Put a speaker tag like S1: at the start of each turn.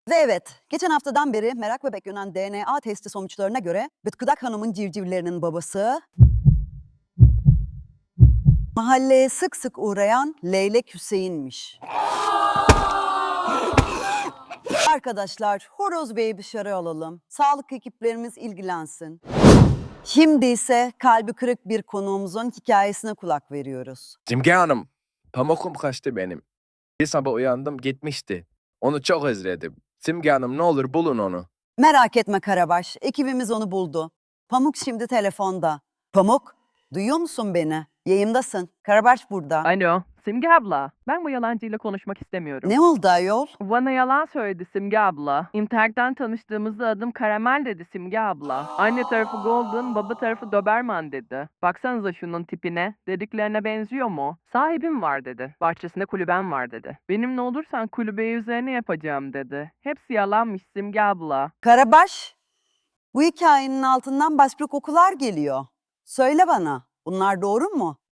S1: Ve evet, geçen haftadan beri merak bebek yönen DNA testi sonuçlarına göre Bıtkıdak Hanım'ın civcivlerinin babası mahalleye sık sık uğrayan Leylek Hüseyin'miş. Arkadaşlar, Horoz Bey'i dışarı alalım. Sağlık ekiplerimiz ilgilensin. Şimdi ise kalbi kırık bir konuğumuzun hikayesine kulak veriyoruz.
S2: Simge Hanım, pamukum kaçtı benim. Bir sabah uyandım gitmişti. Onu çok özledim. Simge Hanım ne olur bulun onu.
S1: Merak etme Karabaş, ekibimiz onu buldu. Pamuk şimdi telefonda. Pamuk, duyuyor musun beni? Yayındasın. Karabaş burada.
S3: Alo, Simge abla. Ben bu yalancıyla konuşmak istemiyorum.
S1: Ne oldu ayol?
S3: Bana yalan söyledi Simge abla. İnternetten tanıştığımızda adım Karamel dedi Simge abla. Anne tarafı Golden, baba tarafı Doberman dedi. Baksanıza şunun tipine. Dediklerine benziyor mu? Sahibim var dedi. Bahçesinde kulübem var dedi. Benimle olursan kulübeyi üzerine yapacağım dedi. Hepsi yalanmış Simge abla.
S1: Karabaş, bu hikayenin altından başka kokular geliyor. Söyle bana, bunlar doğru mu?